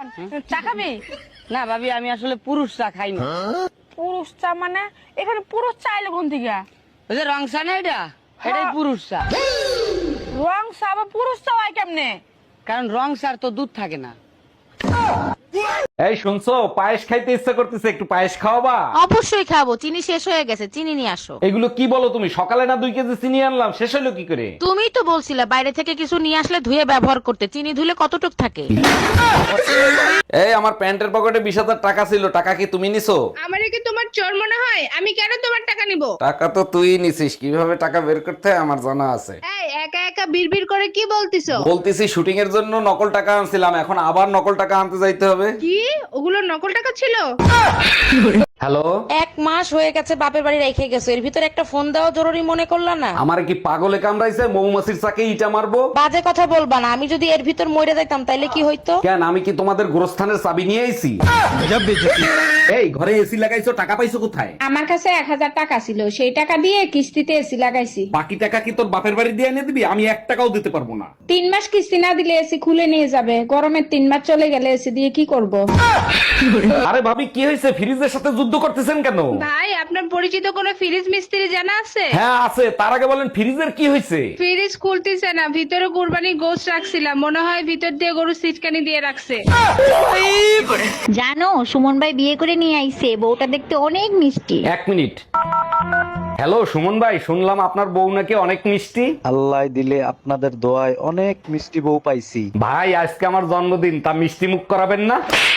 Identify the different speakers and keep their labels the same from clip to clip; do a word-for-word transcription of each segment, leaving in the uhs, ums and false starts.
Speaker 1: শোন, চা খাবি?
Speaker 2: না ভাবি, আমি আসলে পুরুষ চা খাই না।
Speaker 1: পুরুষ চা মানে? এখানে পুরুষ চা এলো কোন থেকে?
Speaker 2: ওই যে রং চা না, এটা এটাই পুরুষ চা।
Speaker 1: রং চা বা পুরুষ চা হয় কেমনে?
Speaker 2: কারণ রং চার তো দুধ থাকে না।
Speaker 3: এই শুনছো, পায়েস খাইতে ইচ্ছা করতেছে, একটু পায়েস খাওয়াবা?
Speaker 4: অবশ্যই খাবো, চিনি শেষ হয়ে গেছে, চিনি নিয়ে আসো।
Speaker 3: এগুলো কি বলো তুমি? সকালে না দুই কেজি চিনি আনলাম, শেষ হলো কি করে?
Speaker 4: তুমিই তো বলছিলে বাইরে থেকে কিছু নিয়ে আসলে ধুয়ে ব্যবহার করতে, চিনি ধুলে কতটুক থাকে।
Speaker 3: এই আমার প্যান্টের পকেটে বিশ হাজার টাকা ছিল, টাকা কি তুমি নিছো?
Speaker 5: আমারে কি তোমার চোর মনে হয়? আমি কেন তোমার টাকা নিব?
Speaker 3: টাকা তো তুই নিছিস, কিভাবে টাকা বের করতে হয় আমার জানা আছে।
Speaker 5: এই একা একা বিড়বিড় করে কি বলতিছো?
Speaker 3: বলতেছি শুটিং এর জন্য নকল টাকা আনছিলাম, এখন আবার নকল টাকা আনতে যাইতে হবে।
Speaker 5: কি ওগুলো নকল টাকা ছিল?
Speaker 3: হ্যালো,
Speaker 4: এক মাস হয়ে গেছে বাপের বাড়ি রেখে গেছো, এর ভিতরে একটা ফোন দেওয়া জরুরি মনে করলা না?
Speaker 3: আমার কি পাগলে কামড়াইছে? মৌমাছির চাকে ইটা মারবো?
Speaker 4: বাজে কথা বলবা না, আমি যদি এর ভিতর মরে যাইতাম তাইলে কি হইতো?
Speaker 3: কেন, আমি কি তোমাদের গোরস্থানের চাবি নিয়ে আইছি? এই ঘরে এসি লাগাইছো, টাকা পাইছো কোথায়?
Speaker 5: আমার কাছে এক হাজার টাকা ছিল, সেই টাকা দিয়ে কিস্তিতে এসি লাগাইছি।
Speaker 3: বাকি টাকা কি তোর বাপের বাড়ি দিয়ে এনে দিবি? আমি এক টাকাও দিতে পারবো না।
Speaker 5: তিন মাস কিস্তি না দিলে এসি খুলে নিয়ে যাবে, গরমের তিন মাস চলে গেলে এসি দিয়ে কি করব?
Speaker 3: আরে ভাবি, কি হয়েছে? ফ্রিজের সাথে যুদ্ধ করতেছেন কেন?
Speaker 5: ভাই, আপনার পরিচিত কোনো ফ্রিজ মিস্ত্রি জানা আছে?
Speaker 3: হ্যাঁ আছে, তার আগে বলেন ফ্রিজের কি হয়েছে?
Speaker 5: ফ্রিজ খুলতেছে না, ভিতরে কুরবানির গোশত রাখছিলাম, মনে হয় ভিতর দিয়ে গরু সিটকানি দিয়ে রাখছে।
Speaker 6: জানো সুমন ভাই বিয়ে করে নিয়ে আইছে, বউটা দেখতে অনেক মিষ্টি।
Speaker 3: এক মিনিট। হ্যালো সুমন ভাই, শুনলাম আপনার বউ নাকি অনেক মিষ্টি।
Speaker 7: আল্লাহ দিলে আপনাদের দোয়ায় অনেক মিষ্টি বউ পাইছি।
Speaker 3: ভাই আজকে আমার জন্মদিন, তা মিষ্টি মুখ করাবেন না?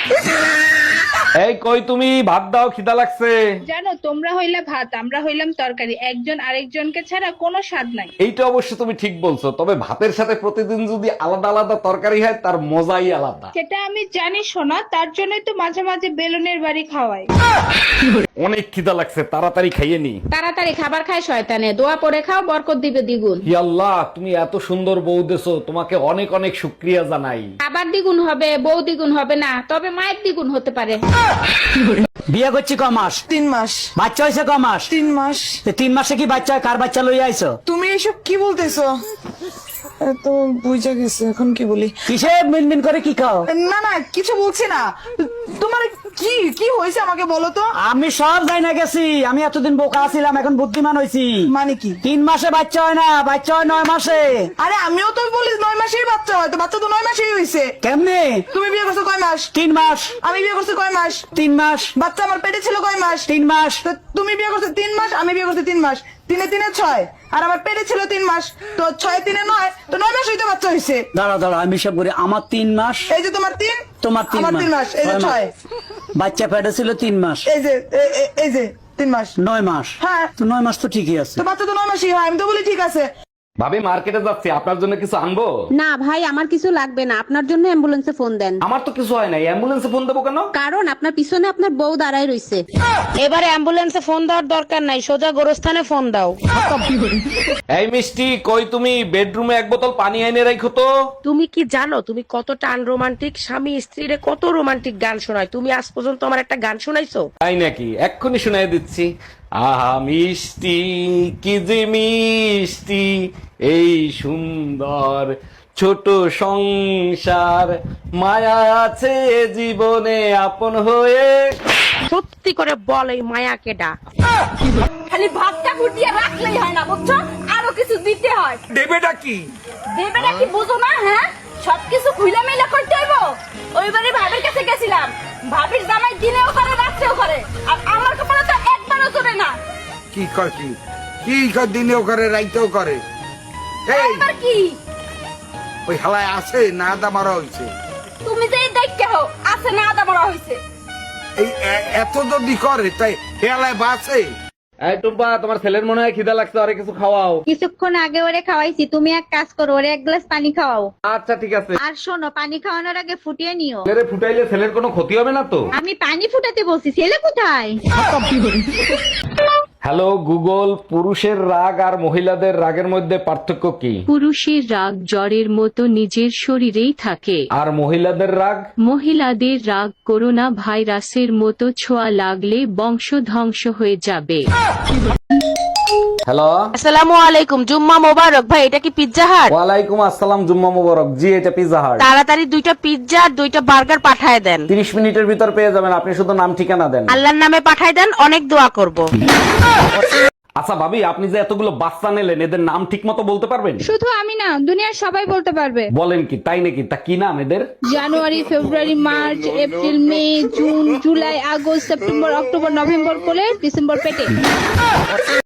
Speaker 3: এই কই তুমি, ভাত দাও, খিদা লাগছে।
Speaker 5: জানো, তোমরা হইলা ভাত, আমরা হইলাম তরকারি, একজন আরেকজনকে ছাড়া কোনো স্বাদ নাই।
Speaker 3: এইটা অবশ্য তুমি ঠিক বলছো, তবে ভাতের সাথে প্রতিদিন যদি আলাদা আলাদা তরকারি হয় তার মজাই আলাদা।
Speaker 5: সেটা আমি জানি শোনা, তার জন্যই তো মাঝে মাঝে বেলুনের বাড়ি খাওয়াই।
Speaker 3: অনেক খিদা লাগছে, তাড়াতাড়ি খাইয়ে নি।
Speaker 5: তাড়াতাড়ি খাবার খায় শয়তানে, দোয়া পরে খাও, বরকত দিবে দ্বিগুণ।
Speaker 3: হি আল্লাহ, তুমি এত সুন্দর বউ দেছো, তোমাকে অনেক অনেক শুকরিয়া জানাই।
Speaker 5: খাবার দ্বিগুণ হবে, বউ দ্বিগুণ হবে না, তবে মায়ের দ্বিগুণ হতে পারে।
Speaker 2: বিয়ে করছি ক মাস?
Speaker 1: তিন মাস।
Speaker 2: বাচ্চা হয়েছে ক মাস?
Speaker 1: তিন মাস।
Speaker 2: তো তিন মাসে কি বাচ্চা হয়? কার বাচ্চা লইয়া আইছো?
Speaker 1: তুমি এসব কি বলতেছো? এ তো বুঝা গেছে, এখন কি বলি?
Speaker 2: কিসে মিনমিন করে কি খাও?
Speaker 1: না না, কিছু বলছি না। তোমার কি কি হয়েছে আমাকে বলো তো।
Speaker 2: আমি সব যাই না গেছি, আমি এতদিন বোকা ছিলাম, এখন বুদ্ধিমান হয়েছি।
Speaker 1: মানে কি?
Speaker 2: তিন মাসে বাচ্চা হয় না, বাচ্চা হয় নয় মাসে।
Speaker 1: আরে আমিও তো বলি নয় মাসেই বাচ্চা হয়, তো বাচ্চা তো নয় মাসেই হয়েছে।
Speaker 2: কেমনে?
Speaker 1: তুমি বিয়ে করছো কয় মাস?
Speaker 2: তিন মাস।
Speaker 1: আমি বিয়ে করছি কয় মাস?
Speaker 2: তিন মাস।
Speaker 1: বাচ্চা আমার পেটে ছিল কয় মাস?
Speaker 2: তিন মাস।
Speaker 1: তো তুমি বিয়ে করছো তিন মাস, আমি বিয়ে করছি তিন মাস, তিনে তিনে ছয়, আর আমার পেটে ছিল তিন মাস, তো ছয় তিনে নয়, তো নয় মাস হইতে বাচ্চা হয়েছে।
Speaker 2: দাঁড়া দাঁড়া, আমি সব করি। আমার তিন মাস,
Speaker 1: এই যে তোমার তিন,
Speaker 2: তোমার তিন
Speaker 1: আমার তিন মাস, এই যে ছয়।
Speaker 2: বাচ্চা পেটে ছিল তিন মাস,
Speaker 1: এই যে এ- এ- এই যে তিন মাস।
Speaker 2: নয় মাস।
Speaker 1: হ্যাঁ।
Speaker 2: তো নয় মাস তো ঠিকই আছে।
Speaker 1: তো বাচ্চা তো নয় মাসই হয়, আমি তো বলি ঠিক আছে।
Speaker 3: ভাবি মার্কেটে যাচ্ছি, আপনার জন্য কিছু আনবো?
Speaker 8: না ভাই, আমার কিছু লাগবে না, আপনার জন্য অ্যাম্বুলেন্সে ফোন দেন।
Speaker 3: আমার তো কিছু হয় নাই, অ্যাম্বুলেন্সে ফোন দেবো কেন?
Speaker 8: কারণ আপনার পিছনে আপনার বউ দাঁড়ায় রইছে।
Speaker 4: এবারে অ্যাম্বুলেন্সে ফোন দেওয়ার দরকার নাই, সোজা গোরস্থানে ফোন দাও।
Speaker 3: এই মিষ্টি, কই তুমি? বেডরুমে এক বোতল পানি এনে রাখো তো।
Speaker 4: তুমি কি জানো তুমি কতটা আনরোমান্টিক? স্বামী স্ত্রীরে কত রোমান্টিক গান শোনায়, তুমি আজ পর্যন্ত আমার একটা গান শোনাইছো?
Speaker 3: তাই নাকি? এক্ষুনি শুনাই দিচ্ছি। আহা মিষ্টি, কি যে মিষ্টি এই সুন্দর ছোট সংসার, মায়া আছে জীবনে আপন হয়ে।
Speaker 4: সত্যি করে বল, এই মায়া কেডা?
Speaker 1: খালি ভাতটা ফুটিয়ে রাখলেই হয় না, বুঝছো? আরো কিছু দিতে হয়।
Speaker 3: দেবেটা কি?
Speaker 1: দেবেটা কি বুঝো না? হ্যাঁ, সবকিছু খুইলা মেলা করতে হইব। ওইবারে ভাবির কাছে গেছিলাম, ভাবির জামাই দিনেও করে রাত্রেও করে, আর আমার কপালে তো একবারও চলে না।
Speaker 9: কি কয়? কি কি কয়? দিনেও করে রাইতেও করে। এই
Speaker 1: এবার কি?
Speaker 9: ওই হালায় আছে না আদা মারা হয়েছে?
Speaker 1: তুমি যে দেখতে হো আছে না আদা মরা হইছে।
Speaker 9: এই এ- এত যদি করে তাই হেলায় বাসে।
Speaker 3: এই টুম্পা, তোমার ছেলের মনে হয় খিদা লাগছে, আরে কিছু খাওয়াও।
Speaker 6: কিছুক্ষণ আগে ওরে খাওয়াইছি, তুমি এক কাজ করো, ওরে এক গ্লাস পানি খাওয়াও।
Speaker 3: আচ্ছা ঠিক আছে।
Speaker 6: আর শোনো, পানি খাওয়ানোর আগে ফুটিয়ে নিও।
Speaker 3: ছেলেরে ফুটাইলে ছেলের কোনো ক্ষতি হবে না তো?
Speaker 6: আমি পানি ফুটাতে বলছি, ছেলে কোথায়?
Speaker 3: হ্যালো গুগল, পুরুষের রাগ আর মহিলাদের রাগের মধ্যে পার্থক্য কি?
Speaker 10: পুরুষের রাগ জ্বরের মতো নিজের শরীরেই থাকে,
Speaker 3: আর মহিলাদের রাগ?
Speaker 10: মহিলাদের রাগ করোনা ভাইরাসের মতো ছোঁয়া লাগলে বংশ ধ্বংস হয়ে যাবে।
Speaker 3: হ্যালো,
Speaker 4: আসসালামু আলাইকুম, জুম্মা মোবারক। ভাই এটা কি পিৎজা হাট?
Speaker 3: ওয়ালাইকুম আসসালাম, জুম্মা মুবারক। জি, এটা পিজ্জা হাট।
Speaker 4: তাড়াতাড়ি দুইটা পিৎজা আর দুইটা বার্গার পাঠায় দেন।
Speaker 3: তিরিশ মিনিটের ভিতর পেয়ে যাবেন, আপনি শুধু নাম ঠিকানা দেন।
Speaker 4: আল্লাহর নামে পাঠায় দেন, অনেক দোয়া করব।
Speaker 3: আচ্ছা ভাবি, আপনি যে এতগুলো বাচ্চা নিলেন, এদের নাম ঠিক মতো বলতে পারবেন?
Speaker 5: শুধু আমি না, দুনিয়ার সবাই বলতে পারবে।
Speaker 3: বলেন কি, তাই নাকি? তা কি নাম এদের?
Speaker 5: January, February, March, April, May, June, July, August, September, October, November কোলে, ডিসেম্বর পেটে।